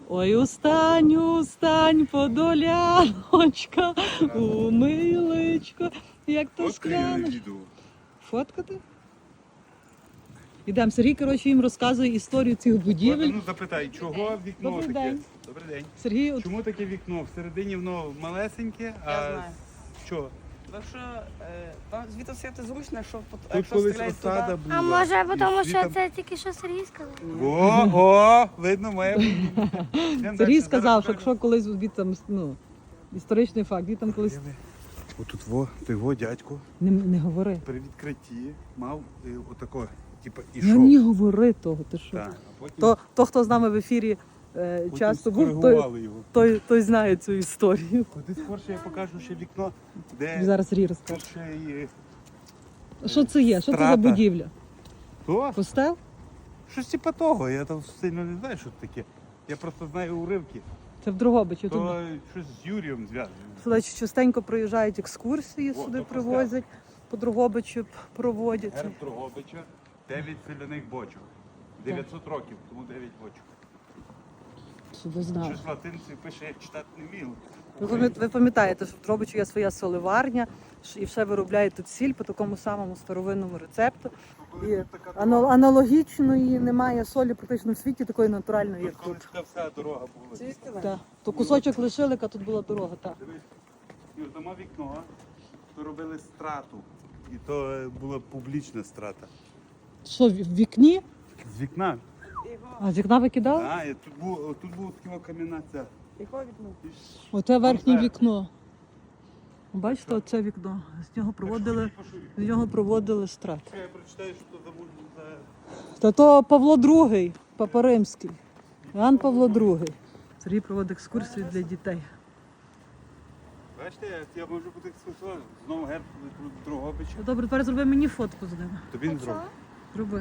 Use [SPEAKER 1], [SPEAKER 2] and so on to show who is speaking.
[SPEAKER 1] Ой, устань, устань, подоляночка, у миличко, як то скляно. Фоткати? Ідемо, Сергій, коротше, їм розказує історію цих будівель.
[SPEAKER 2] Ну запитай, чого вікно
[SPEAKER 1] Добрий
[SPEAKER 2] таке?
[SPEAKER 1] день.
[SPEAKER 2] Добрий день.
[SPEAKER 1] Сергій, от
[SPEAKER 2] Чому таке вікно? Всередині воно малесеньке, а
[SPEAKER 3] Я знаю.
[SPEAKER 2] що?
[SPEAKER 3] Тому що там звідти сидіти зручно, якщо,
[SPEAKER 2] Тут
[SPEAKER 3] якщо
[SPEAKER 2] колись
[SPEAKER 3] стріляють
[SPEAKER 2] осада
[SPEAKER 3] туди.
[SPEAKER 2] була.
[SPEAKER 4] А може,
[SPEAKER 2] І
[SPEAKER 4] тому що
[SPEAKER 2] звідти-
[SPEAKER 4] це тільки що Сергій сказав?
[SPEAKER 2] О, видно, має бути.
[SPEAKER 1] Сергій сказав, що якщо колись від там, ну, історичний факт, він там колись
[SPEAKER 2] Отут його дядько
[SPEAKER 1] не говори.
[SPEAKER 2] при відкритті мав отако, типу,
[SPEAKER 1] Не
[SPEAKER 2] ішов.
[SPEAKER 1] мені говори того, ти що?
[SPEAKER 2] Так, а потім,
[SPEAKER 1] То, хто з нами в ефірі
[SPEAKER 2] потім
[SPEAKER 1] часто був,
[SPEAKER 2] скоригували його.
[SPEAKER 1] той знає цю історію.
[SPEAKER 2] Куди скорше я покажу ще вікно, де
[SPEAKER 1] Зараз Сергій розкаже.
[SPEAKER 2] тут ще і...
[SPEAKER 1] Що це є? Що це за
[SPEAKER 2] Страта.
[SPEAKER 1] будівля?
[SPEAKER 2] То?
[SPEAKER 1] Костел?
[SPEAKER 2] Щось типу того, я там сильно не знаю, що це таке. Я просто знаю уривки.
[SPEAKER 1] Це в Дрогобичі. Тут
[SPEAKER 2] То щось з Юрієм зв'язано.
[SPEAKER 1] сюди частенько приїжджають екскурсії,
[SPEAKER 2] О,
[SPEAKER 1] сюди
[SPEAKER 2] то
[SPEAKER 1] привозять, по Дрогобичу проводять.
[SPEAKER 2] Герб Дрогобича, 9 соляних бочок. 900 років, тому 9 бочок.
[SPEAKER 1] Сюди знав.
[SPEAKER 2] Щось латинці пише, я читати не вмів.
[SPEAKER 1] Ви пам'ятаєте, що в Дрогобичі є своя соливарня, і все виробляють тут сіль по такому самому старовинному рецепту. І аналогічної немає солі практично в світі, такої натуральної, як
[SPEAKER 2] Коли
[SPEAKER 1] тут.
[SPEAKER 2] така вся дорога була.
[SPEAKER 3] Звідки?
[SPEAKER 1] Так. То кусочок лишили, яка тут була дорога. Так.
[SPEAKER 2] Дивись, Юр, там мав вікно, то робили страту. І то була публічна страта.
[SPEAKER 1] Що, в вікні?
[SPEAKER 2] З вікна.
[SPEAKER 1] А з вікна викидали?
[SPEAKER 2] А, і тут був така кам'яна ця.
[SPEAKER 3] Його вікно.
[SPEAKER 1] Оце верхнє
[SPEAKER 2] Вверх.
[SPEAKER 1] вікно. Бачите, оце вікно. З нього проводили страт.
[SPEAKER 2] Я прочитаю, що то за...
[SPEAKER 1] Та то Павло II, Папа Римський. Іоанн Павло II. Сергій проводить екскурсію для дітей.
[SPEAKER 2] Бачите, я можу бути екскурсоводом. Знову герб Дрогобича.
[SPEAKER 1] Ну, добре, тепер зроби мені фотку з ними.
[SPEAKER 2] Тобі не зробив.
[SPEAKER 1] Зроби.